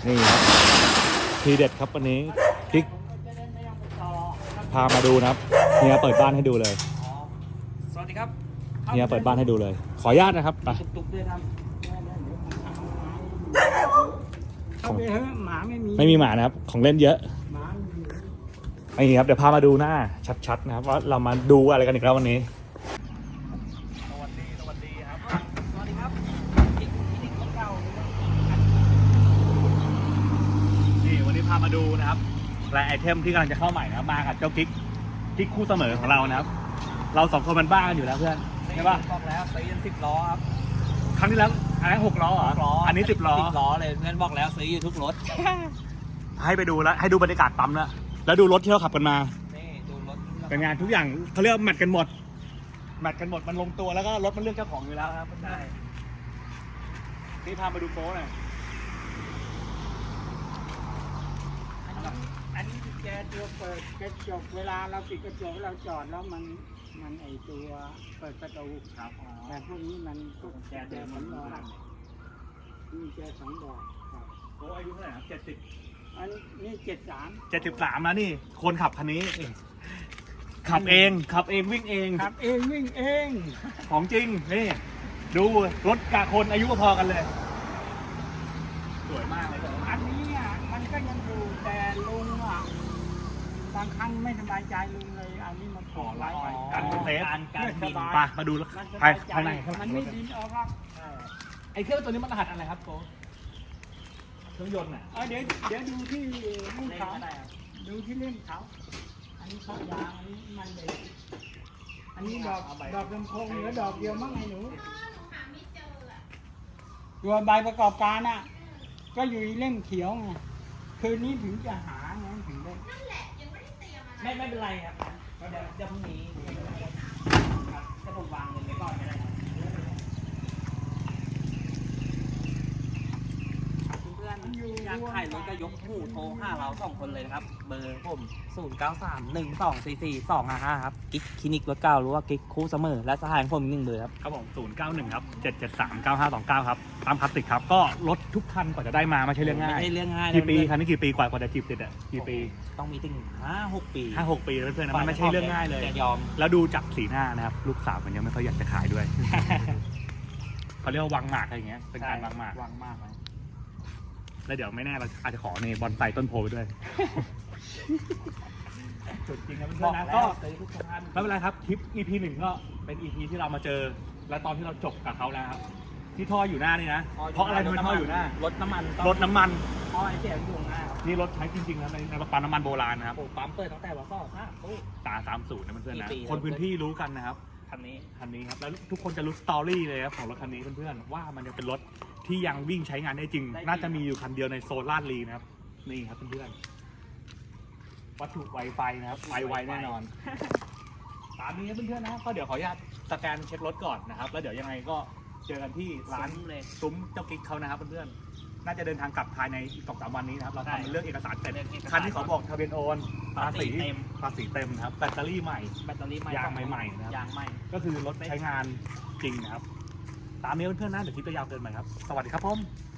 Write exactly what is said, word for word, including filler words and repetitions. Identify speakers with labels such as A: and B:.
A: นี่ครับทีเด็ดครับวันนี้คลิกพามาดูนะครับเฮียเปิดบ้านให้ดูเลย
B: สวัสดีครับ
A: เฮียเปิดบ้านให้ดูเลยขออนุญาตนะครับไป
B: ตุกๆด้วยครับ
C: เข้าไปเถอะหมาไม่มี
A: ไม่มีหมานะครับของเล่นเยอะ
C: หมา
A: นี่ครับเดี๋ยวพามาดูหน้าชัดๆนะครับว่าเรามาดูอะไรกันอีกแล้ววันนี้สวัสดีสวัสดีครับ
B: สวัสดีครับอีกอีกคนเก่า
A: นี่วันนี้พามาดูนะครับและไอเทมที่กำลังจะเข้าใหม่นะครับมากับเจ้ากิ๊กกิ๊กคู่เสมอของเรานะครับเราสองคนมันบ้ากันอยู่แล้วเพื่อนใช่ป่ะ
B: บอกแล้วซื้อยันสิบล้อครับ
A: ครั้งที่แล้วอันนั้นหกล้อเหรออันนี้สิบล้อ
B: สิบล้อเลยเพื่อนบอกแล้วซื้ออยู่ทุกรถ
A: ให้ไปดูแล้วให้ดูบรรยากาศปั๊มแล้วแล้วดูรถที่เราขับกันมา
B: นี่ดูรถ
A: เป็นงานทุกอย่างเขาเรียกแมทกันหมดแมทกันหมดมันลงตัวแล้วก็รถมันเลือกเจ้าของอยู่แล้วครับใช่นี่พามาดูโป๊หน่อย
C: อันนี้แกตัวเปิดกระจกเวลาเราปิดกระจกเราจอดแล้วมันมันไอตัวเปิดประตู
A: ครับ
C: แต่พวกนี้มันพวกแกเดิมมันนอนนี่แกสองดอกครับ
A: โอ้อายุเท่าไหร่ครับเจ็ดสิบ
C: อันนี้เจ็ดสาม
A: เจ็ดสิบสามแล้วนี่คนขับคันนี้ขับเองขับเองวิ่งเอง
C: ขับเองวิ่งเอง
A: ของจริงนี่ดูรถกะคนอายุพอกันเลยสวยมากเลย
C: อันนี้อ่ะมันก็ยังอยู่แต่ลุงอ่ะบางครั้งไม่สบายใจลุงเลยอันนี้มันขอไว้
A: การเซฟ
B: การบิน
A: ไปมาดูไปภายใน
C: มันไม่ดินออกครับ
A: ไอเครื่องตัวนี้มันรหัสอะไรครับโกเครื่องยนต์อ่ะ
C: เดี๋ยวเดี๋ยวดูที่เล่มเขาดูที่เล่มเขาอันนี้ข้อยางอันนี้มันเด็กอันนี้ดอกดอกลำโพงเหลือดอกเดียวมั้งไงหนูตัวใบประกอบการอ่ะก็อยู่เล่มเขียวไงคืนนี้ถึงจะหาไงถึงได้
B: ไม่ไม่เป็นไรครับเดี๋ยวจะพรุ่งนี้ถ้าผมวางเงินไว้ก่อนก็ได้ครับเพื่อนอยากขายรถก็ยกหูโทรห้าเราสองคนเลยนะครับเบอร์ผมศูนย์เก้าสามหนึ่งสองสี่สี่สองห้าห้าครับกิ๊กคลินิกรถเก่าหรือว่ากิ๊กคู่เสมอและสหายผมหนึ่งเบอร์ครับ
A: ครับผมศูนย์เก้าหนึ่งครับเจ็ดเจ็ดสามเก้าห้าสองเก้าครับตามคลาสสิกครับก็รถทุกคันกว่าจะได้มาไม่ใช่เรื่องง่าย
B: ไม่ใช่เรื่องง่าย
A: กี่ปีคันนี้กี่ปีกว่ากว่าจะจีบติดอ่ะกี่ปี
B: ต้องมีถึงห้าหกปี
A: ห้าหกปีเพื่อนๆมันไม่ใช่เรื่องง่ายเลย
B: ยอม
A: แล้วดูจากสีหน้านะครับลูกสาวมันยังไม่ค่อยอยากจะขายด้วยเขาเรียกว่าวางหมากอะไรอย่างเงี้ยเป็นการวางหมาก
B: วางมากเลย
A: แล้วเดี๋ยวไม่แน่เราอาจจะขอในบอนไซต้นโพไปด้วยจุดจริงนะเพื่อนๆนะก็ไม่เป็นไรครับคลิป อี พี หนึ่งก็เป็น อี พี ที่เรามาเจอและตอนที่เราจบกับเขาแล้วครับที่ท่ออยู่หน้านี่นะเพราะอะไรทำไมท่ออยู่หน้าร
B: ถน้ำมัน
A: รถน้ำมัน
B: ท่อไอเสียอยู่หน้า
A: นี่รถใช้จริงๆนะในในปั๊มน้ำมันโบราณนะครับ
B: ปั๊มเปิดตั้งแต่วันสองห้าตู้
A: ตาสามศูนย์นะเพื่อนๆนะคนพื้นที่รู้กันนะครับ
B: คันนี้
A: คันนี้ครับแล้วทุกคนจะรู้สตอรี่เลยครับของรถคันนี้เพื่อนๆว่ามันจะเป็นรถที่ยังวิ่งใช้งานได้จริงน่าจะมีอยู่คันเดียวในโซนลาดลีนะครับนี่ครับเพื่อนๆวัตถุไวไฟนะครับไวไวแน่นอนตามนี้ครับเพื่อนๆนะก็เดี๋ยวขออนุญาตสแกนเช็ครถก่อนนะครับแล้วเดี๋ยวยังไงก็เจอกันที่ร้าน
B: เลย
A: ซุ้มเจ้ากิ๊กเขานะครับเพื่อนๆน่าจะเดินทางกลับภายในอีกสองสามวันนี้นะครับเราทำเรื่องเอกสารเสร็จคันที่เขาบอกทะเบียนโอนภาษีเต็มภาษีเต็มนะครับแบตเตอรี่ใหม่
B: แบตเตอรี่ใหม่
A: ยางใหม่ๆนะครับ
B: ยางใหม่
A: ก็คือรถใช้งานจริงนะครับตามนี้เพื่อนๆนะเดี๋ยวคลิปจะยาวเกินไปครับสวัสดีครับผม